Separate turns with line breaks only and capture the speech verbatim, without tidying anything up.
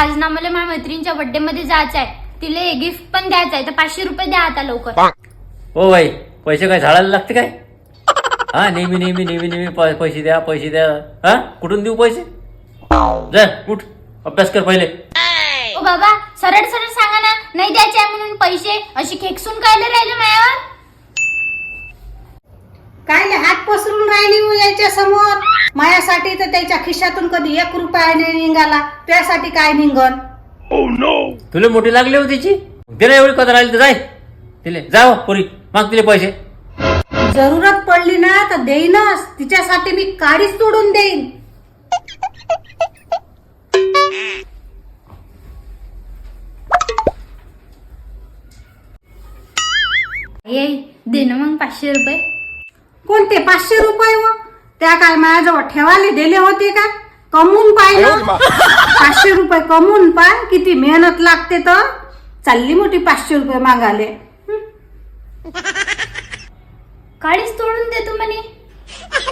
आज ना मला माझ्या मैत्रिणीच्या बर्थडे मध्ये जायचं आहे, तिला गिफ्ट पण द्यायचं आहे, तर पाचशे रुपये द्या आता लवकर.
हो बाई, पैसे काय झाडाला लागते काय? हा नेहमी नेहमी नेहमी नेहमी प- पैसे द्या पैसे द्या. हा कुठून देऊ पैसे? जा उठ, अभ्यास कर पहिले.
ओ बाबा, सरळ सरळ सांगा ना, नाही द्यायचे आहे म्हणून पैसे, अशी खेकसून कायले राहिले माझ्यावर?
काय हात पसरून राहिली मग याच्या समोर? माझ्यासाठी तर त्याच्या खिशातून कधी एक रुपया नाही निघाला, त्यासाठी काय निघन?
तुला मोठी लागली होती तिची, तिला एवढी कदर राहिली तर जाय तिले, जाव पुरी माग तिले पैसे.
जरूरत पडली ना तर देईनच, तिच्यासाठी मी काडीच तोडून देईन.
ये दे ना मग पाचशे रुपये.
कोणते पाचशे रुपये? व त्या काय माझ्याजवळ ठेवायला दिले होते का? कमवून पाहिलं, पाचशे रुपये कमवून पाय, किती मेहनत लागते. तर चालली मोठी पाचशे रुपये मागाले.
काळीच तोडून देतो म्हणे.